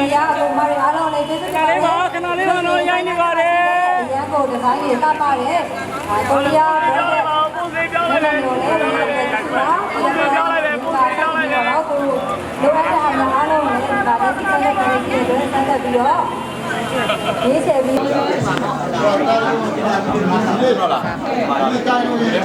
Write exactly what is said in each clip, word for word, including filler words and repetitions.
ဒီရအကုန်မရအားလုံးလေးကျေးဇူးတင်ပါတယ်ခဏလေးပါခဏလေးပါတော့ရိုင်းနေပါတယ်ရန်ကုန်ဒီဇိုင်းတွေစပါတယ်ကိုရီးယားဘယ်လိုပုံစံပြောင်းလိုက်လဲပုံစံပြောင်းလိုက်တယ်ပုံစံပြောင်းလိုက်တယ်တော့ကိုလိုအပ်တဲ့အားလုံးလည်းဒါလည်းဒီကနေ့ကလေးတွေဆက်လက်ပြီးတော့ဒီဆယ်ပြီးတော့လာဒီတိုင်းလို့ရတယ်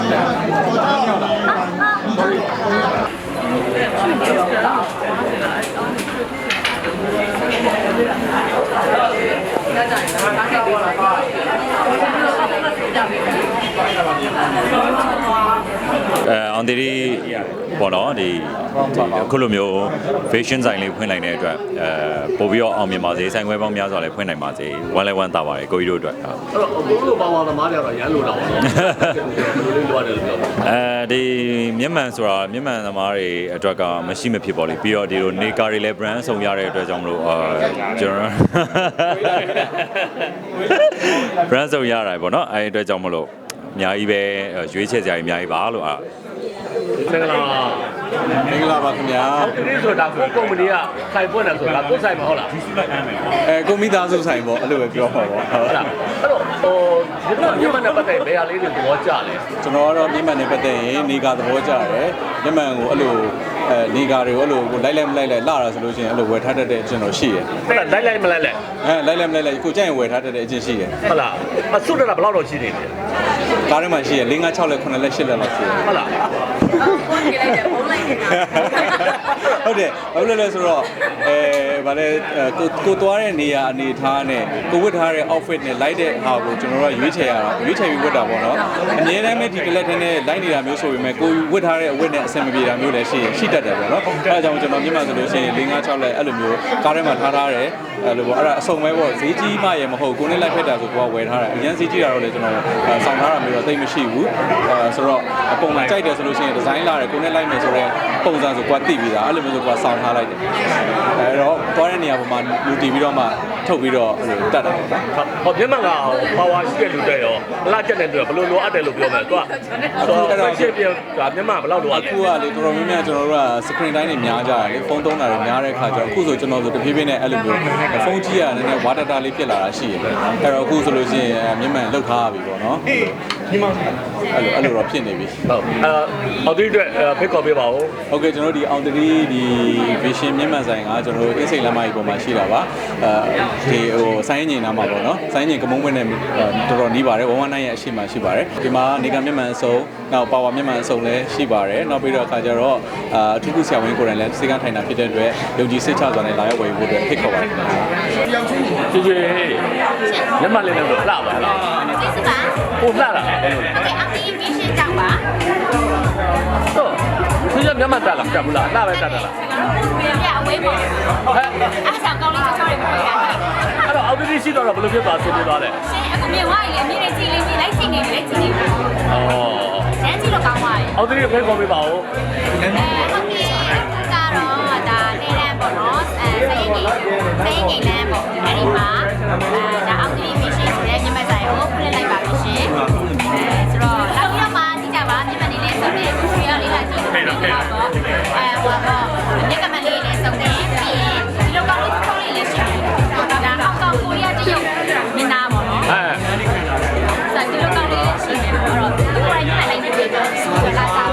အဲအောင်တီပေါ့နော်ဒီအခုလိုမျိုး fashion ဆိုင်လေးဖွင့်နိုင်တဲ့အတွက်အဲပို့ပြီးတော့အောင်မြင်ပါစေဆိုင်ခွဲပေါင်းများစွာလည်းဖွင့်နိုင်ပါစေ one level တာပါတယ်ကိုကြီးတို့အတွက်အဲ့တော့အကိုတို့ပါဝါသမားတွေကတော့ရမ်းလို့တော့လေးလိုရတယ်လို့ပြောအဲဒီမျက်မှန်ဆိုတာမျက်မှန်သမားတွေအတွက်ကမရှိမဖြစ်ပါလိမ့်ပြီးတော့ဒီလိုနေကာတွေလည်း brand ဆောင်ရတဲ့အတွက်ကြောင့်မလို့အာကျွန်တော် brand ဆောင်ရတာပေါ့နော်အဲ့ဒီအတွက်ကြောင့်မလို့အများကြီးပဲရွေးချယ်စရာကြီးအများကြီးပါလို့အာမင်္ဂလာမင်္ဂလာပါခင်ဗျာဒီဆိုတာကိုကုမ္ပဏီကဆိုင်ပွင့်တယ်ဆိုတာကိုယ်ဆိုင်မဟုတ်လားအဲကိုမိသားစုဆိုင်ပေါ့အဲ့လိုပဲပြောပါပေါ့ဟုတ်လားအဲ့တော့ဟိုဒီလိုမြန်မာနဲ့ပတ်သက်ဘယ်ဟာလေးတွေသဘောကျလဲကျွန်တော်ကတော့မြန်မာနဲ့ပတ်သက်ရင်နေကသဘောကျတယ်မြန်မာကိုအဲ့လိုအဲနေကာတွေကိုအဲ့လိုကိုလိုက်လိုက်မလိုက်လိုက်လာတာဆိုလို့ရှိရင်အဲ့လိုဝယ်ထားတတ်တဲ့အကျင့်တော့ရှိတယ်ဟုတ်လားလိုက်လိုက်မလိုက်လိုက်အဲလိုက်လိုက်မလိုက်လိုက်ကိုကြိုက်ရင်ဝယ်ထားတတ်တဲ့အကျင့်ရှိတယ်ဟုတ်လားအဆုတတာဘယ်လောက်တော့ရှိနေလဲကားထဲမှာရှိရ၄၅၆လက်9လက်8လက်လောက်ရှိတယ်ဟုတ်လားဟုတ်ကဲ့လိုက်တယ်ပုံလိုက်နေတာဟုတ်တယ်ဘာလို့လဲဆိုတော့အဲဗါလဲကိုကိုသွားတဲ့နေရာအနေထားနဲ့ကိုဝတ်ထားတဲ့ outfit နဲ့လိုက်တဲ့ဟာကိုကျွန်တော်တို့ရွေးချယ်ရတာရွေးချယ်ပြီးဝတ်တာပေါ့နော်အများတမ်းပဲဒီကလပ်ထင်းနဲ့လိုက်နေတာမျိုးဆိုပေမဲ့ကိုဝတ်ထားတဲ့အဝတ်နဲ့အဆင်မပြေတာမျိုးလည်းရှိရှိတတ်တယ်ပေါ့နော်အဲဒါကြောင့်ကျွန်တော်မြန်မာဆိုလို့ရှိရင်၄၅၆လက်အဲ့လိုမျိုးကားထဲမှာထားထားတယ်အဲ့လိုပေါ့အဲ့ဒါအစုံပဲပေါ့ဈေးကြီးမှရေမဟုတ်ကိုနဲ့လိုက်ဖက်တာဆိုကိုကဝယ်ထားတာအရင်ဈေးကြီးတာတော့လေကျွန်တော်ဆောင်ထားတာမျိုးတော့သိမရှိဘူးအဲဆိုတော့အပုံမှန်ကြိုက်တယ်ဆိုလို့ရှိရင်ဒီဇိုင်းလာတယ်ကိုနဲ့လိုက်မယ်ဆိုတော့ပုံစံဆိုကိုကသိပြီးသားအဲ့လိုမျိုးဆိုကိုကဆောင်ထားလိုက်တယ်အဲတော့သွားတဲ့နေရာပေါ်မှာလူတီပြီးတော့မှထုတ်ပြီးတော့အဲ့လိုတတ်တာပေါ့နော်ဟောမြန်မာကပါဝါရှိတဲ့လူတွေရောအလားကျက်တဲ့တွေဘယ်လိုလိုအပ်တယ်လို့ပြောမယ်သူကဆိုတော့ရှေ့ပြဒါမြန်မာဘယ်လောက်လိုအပ်လဲအခုကလေတော်တော်များများကျွန်တော်တို့က screen time တွေများကြတယ်လေဖုန်းသုံးတာတွေများတဲ့အခါကျတော့အခုဆိုကျွန်တော်ဆိုတဖြည်းဖြည်းနဲ့အဲ့လိုမျိုးဖုန်းကြီးကနည်းနည်း water data လေးဖြစ်လာတာရှိတယ်အဲ့တော့အခုဆိုလို့ရှိရင်မြန်မာလောက်ထားပြီပေါ့နော်ဒီမှာအဲ့လိုအဲ့လိုတော့ဖြစ်နေပြီဟုတ်အဲအောင်တီအတွက်ဖိတ်ခေါ်ပေးပါဦးဟုတ်ကဲ့ကျွန်တော်ဒီအောင်တီဒီ vision မြန်မာဆိုင်ကကျွန်တော်တို့အင်းစိန်လမ်းမကြီးပေါ်မှာရှိတာပါအဲဒီဟိုဆိုင်းငင်နားမှာပေါ့နော်ဆိုင်းငင်ကမုံပွင့်နဲ့တော်တော်နီးပါတယ်one one nineရဲ့အရှိမှရှိပါတယ်ဒီမှာနေကမြန်မာအစုံနောက်ပါဝါမြန်မာအစုံလည်းရှိပါတယ်နောက်ပြီးတော့အခါကျတော့အာအထူးကုဆရာဝန်ကိုယ်တိုင်လည်းစေကန်းထိုင်တာဖြစ်တဲ့အတွက်ယုံကြည်စိတ်ချစွာနဲ့လာရောက်ဝယ်ဖို့အတွက်ဖိတ်ခေါ်ပါတယ်ကျေးဇူးမြန်မာလေးလည်းလှပါလားကျေးဇူးပါကိုလှတာโอเคအတီးဗီရှင်ကြောက်ပါဟုတ်သူကမြန်မာတက်လားတက်ဘူးလားလှပဲတက်တယ်လားပြအဝေးပေါ့ဟဲ့အားဆောင်ကောင်းလေးချောတွေပေါ့ဗျာအဲ့တော့အောက်တီးရှိတော့ဘယ်လိုဖြစ်သွားဆင်းနေသွားလဲရှင်အခုမြင်ဝိုင်းလေအမြင်နဲ့ကြည့်လေးကြည့်လိုက်ချိန်နေလိုက်ချိန်နေဩကျန်းကြည့်လို့ကောင်းပါရဲ့အောက်တီးဖိတ်ခေါ်ပေးပါဦးအဲအောက်တီးကတော့ဒါနေလန်းပေါ့နော်အဲစိတ်ငိမ်စိတ်ငိမ်လန်းပေါ့အဲ့ဒီမှာအဲဒါအောက်တီးဗီရှင်ဆိုတဲ့မြန်မာဆိုင်ကိုဖွင့်လိုက်ပါပြီရှင်အဲဆိုတော့နောက်ပြီးတော့မှကြည့်ကြပါမြန်မာနေလေးဆိုတဲ့ကိုရီးယားလေးလာကြည့်နေတော့ပေါ့အဲဟိုတော့မြက်ကမလေးလေးစုံတယ်ပြီးရင်ဒီလိုကောင်းလေးထုံးလေးလည်းရှိတယ်ဒါဟောင်ကောင်ကိုရီးယားတရုတ်မင်းသားပေါ့နော်အဲဆိုဒီလိုကောင်းလေးရှိတယ်ပေါ့တော့ဒီလိုရိုင်းနေလိုက်နေပြီတော့စူလာစားပါ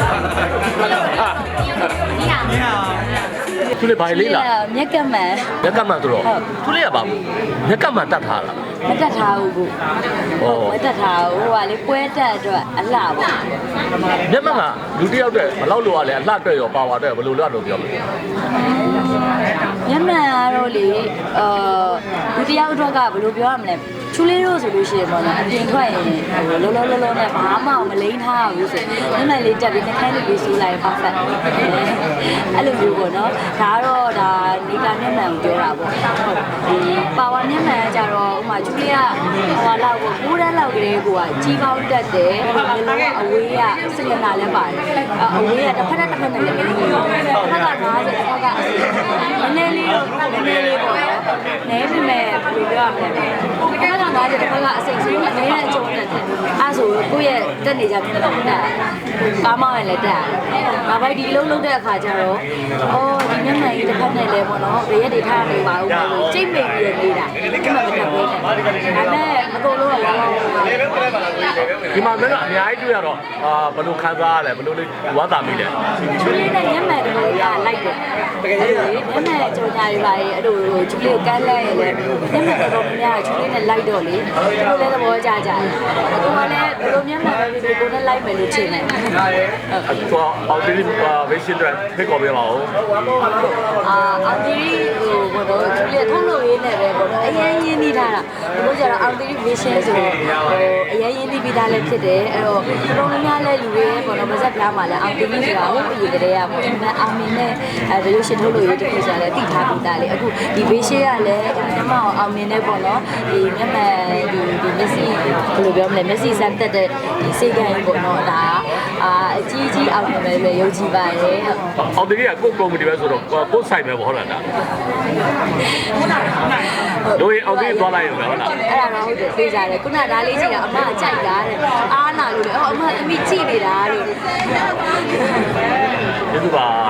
ဒီဟာဒီဟာသူလေးဘာလေးလားမြက်ကမှန်မြက်ကမှန်ဆိုတော့သူလေးကဘာမြက်ကမှန်တတ်ထားလားမတက်ထားဘူးကိုဟုတ်မတက်ထားဘူးဟိုကလေပွဲတက်အတွက်အလှပေါ့မျက်မှန်ကလူတစ်ယောက်တည်းဘယ်လောက်လိုရလဲအလှအတွက်ရောပါဝါအတွက်ဘယ်လိုလုပ်လို့ပြောမလဲမျက်မှန်ကတော့လေအာလူတစ်ယောက်အတွက်ကဘယ်လိုပြောရမလဲချူလေးတို့ဆိုလို့ရှိရင်ပေါ့နော်အပြင်ထွက်ရင်ဟိုလောလောလောလောနဲ့ဘာမှမလိမ့်ထားဘူးဆိုမျက်မှန်လေးတက်ပြီးနှခိုင်းလေးပြီးဆူလိုက် perfect အဲ့လိုမျိုးပေါ့နော်ဒါကတော့ဒါနေကမျက်မှန်ကိုပြောတာပေါ့ဟုတ်ဒီပါဝါမျက်မှန်ကကြတော့ဥမာချူလေးကဟိုလောက်ကိုကိုးတန်းလောက်ကလေးကိုကကြီးပေါင်းတက်တယ်ဘယ်လိုအဝေးကစင်ကနာလည်းပါတယ်အဝေးကတစ်ဖက်တစ်ဖက်နဲ့လည်းမနေဘူးတစ်ဖက်ကငါးဆယ်တစ်ဖက်ကနည်းနည်းလေးနည်းနည်းလေးပေါ့နော်နည်းပေမဲ့ဘယ်လိုပြောရမလဲတစ်ခါကငါးချက်တစ်ခါကအစိတ်ဆိုးအနည်းနဲ့အကျုံးတက်တယ်အဲဆိုကိုယ့်ရဲ့တက်နေကြမျက်နှာတက်ကားမောင်းရင်လည်းတက်ဒါပိုက်ဒီလုံးလုံးတဲ့အခါကျတော့အော်ဒီမျက်မှန်ကြီးတစ်ခါနဲ့လဲပေါ့နော်ဘေးရက်တွေထားနေပါဦးလို့ကြိတ်မိပြီးနေတာဒီမှာမတက်ဘူးဒါနဲ့အကုန်လုံးကဘာလို့ဒီမှာလည်းအများကြီးတွေ့ရတော့အာဘယ်လိုခံစားရလဲဘယ်လိုလေးဝါသာမိလဲချူလေးနဲ့မျက်မှန်တွေကလိုက်တယ်တကယ်လို့မျက်မှန်ကြော်ညာတွေပါလေအဲ့လိုချူလေးကိုကန်းလဲရင်လည်းမျက်မှန်တော်တော်များများချူလေးနဲ့လိုက်တော့လေကိုလည်းသဘောကျကြတယ်ကိုကလည်းဘယ်လိုမျက်မှန်ပဲဖြစ်ကိုနဲ့လိုက်မယ်လို့ထင်တယ်ဟုတ်အဲ့တော့အော်ဒီဗေးရှင်းတဲ့ဖိတ်ခေါ်ပေးပါဦးအာအောင်တီဟိုဘောတော့ချူလေးထုံးလို့ရေးနေပဲဘောတော့အရင်ရင်းနှီးထားတာဘိုးကျတော့အောင်တီဗီရှင်းဆိုဟိုအရင်ရင်းနှီးပြီးသားလည်းဖြစ်တယ်အဲ့တော့တော်တော်များများလည်းလူတွေဘောတော့ဗဇက်ပြားမှာလည်းအောင်တီဆိုတာဟိုအရင်ကတည်းကပေါ့ဒီမှာအောင်မင်းနဲ့အဲဗီဒီယိုရှင်းထုတ်လို့ရေးတခုဆိုလည်းတည်ထားပြီးသားလေအခုဒီဗီရှင်းကလည်းမျက်မှောက်အောင်မြင်နေပေါ့နော်ဒီမျက်မှန်ဒီဒီမျက်စိဘယ်လိုပြောမလဲမျက်စိစမ်းတက်တဲ့ဒီစိတ်ကံပေါ့နော်ဒါအာအကြီးကြီးအောင်မြင်မယ်ပဲယုံကြည်ပါရဲ့အော်ဒီကကိုကုမ္ပဏီပဲဆိုတော့ကိုဆိုင်ပဲဟုတ်လားဒါတို့ရင်အော်ဒီသွားလိုက်ရမယ်ဟုတ်လားအဲ့ဒါတော့ဟုတ်တယ်သိကြတယ်ခုနကဒါလေးကြည့်တာအမကကြိုက်တာတဲ့အားနာလို့လေအော်အမအမိကြည့်နေတာလို့ကျေးဇူးပါ